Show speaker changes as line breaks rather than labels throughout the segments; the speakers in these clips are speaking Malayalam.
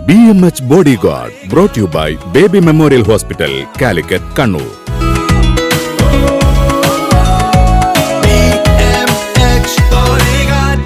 BMH Bodyguard, brought to you by Baby Memorial Hospital, Calicut, Kannur.
BMH Bodyguard.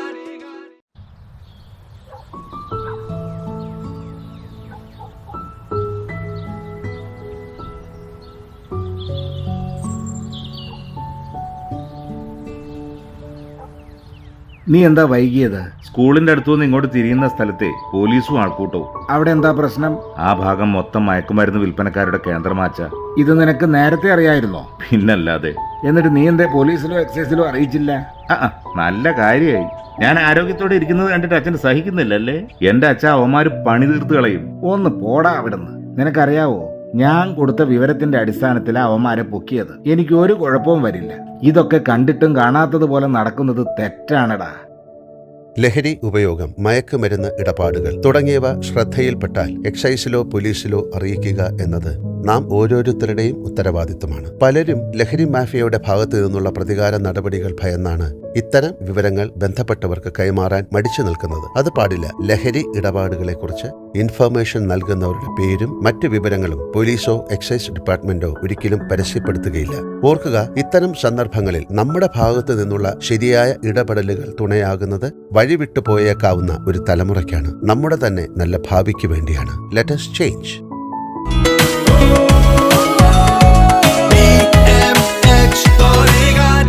നീ എന്താ വൈകിയത്?
സ്കൂളിന്റെ അടുത്തുനിന്ന് ഇങ്ങോട്ട് തിരിയുന്ന സ്ഥലത്തെ പോലീസും ആൾക്കൂട്ടവും.
അവിടെ എന്താ പ്രശ്നം?
ആ ഭാഗം മൊത്തം മയക്കുമരുന്ന് വിൽപ്പനക്കാരുടെ കേന്ദ്രമാച്ച.
ഇത് നിനക്ക് നേരത്തെ അറിയായിരുന്നോ?
പിന്നല്ലാതെ.
എന്നിട്ട് നീ എന്തേ പോലീസിലോ എക്സൈസിലോ അറിയിച്ചില്ല?
നല്ല കാര്യമായി. ഞാൻ ആരോഗ്യത്തോടെ ഇരിക്കുന്നത് കണ്ടിട്ട് അച്ഛന് സഹിക്കുന്നില്ലല്ലേ? എന്റെ അച്ഛൻ അവന്മാര് പണി തീർത്ത് കളയും.
ഒന്ന് പോടാ അവിടുന്ന്. നിനക്കറിയാവോ, ഞാൻ കൊടുത്ത വിവരത്തിന്റെ അടിസ്ഥാനത്തിലാ അവന്മാരെ പൊക്കിയത്. എനിക്ക് ഒരു കുഴപ്പവും വരില്ല. ഇതൊക്കെ കണ്ടിട്ടും കാണാത്തതുപോലെ നടക്കുന്നത് തെറ്റാണടാ.
ലഹരി ഉപയോഗം, മയക്കുമരുന്ന് ഇടപാടുകൾ തുടങ്ങിയവ ശ്രദ്ധയിൽപ്പെട്ടാൽ എക്സൈസിലോ പോലീസിലോ അറിയിക്കുക എന്നത് നാം ഓരോരുത്തരുടെയും ഉത്തരവാദിത്തമാണ്. പലരും ലഹരി മാഫിയയുടെ ഭാഗത്തു നിന്നുള്ള പ്രതികാര നടപടികൾ ഭയന്നാണ് ഇത്തരം വിവരങ്ങൾ ബന്ധപ്പെട്ടവർക്ക് കൈമാറാൻ മടിച്ചു നിൽക്കുന്നത്. അത് പാടില്ല. ലഹരി ഇടപാടുകളെക്കുറിച്ച് ഇൻഫർമേഷൻ നൽകുന്നവരുടെ പേരും മറ്റു വിവരങ്ങളും പോലീസോ എക്സൈസ് ഡിപ്പാർട്ട്മെന്റോ ഒരിക്കലും പരസ്യപ്പെടുത്തുകയില്ല. ഓർക്കുക, ഇത്തരം സന്ദർഭങ്ങളിൽ നമ്മുടെ ഭാഗത്തു നിന്നുള്ള ശരിയായ ഇടപെടലുകൾ തുണയാകുന്നത് വഴിവിട്ടു പോയേക്കാവുന്ന ഒരു തലമുറയ്ക്കാണ്. നമ്മുടെ തന്നെ നല്ല ഭാവിക്ക് വേണ്ടിയാണ്. Let us change.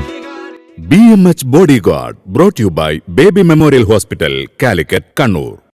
BMH Bodyguard, brought to you by Baby Memorial Hospital, Calicut, Kannur.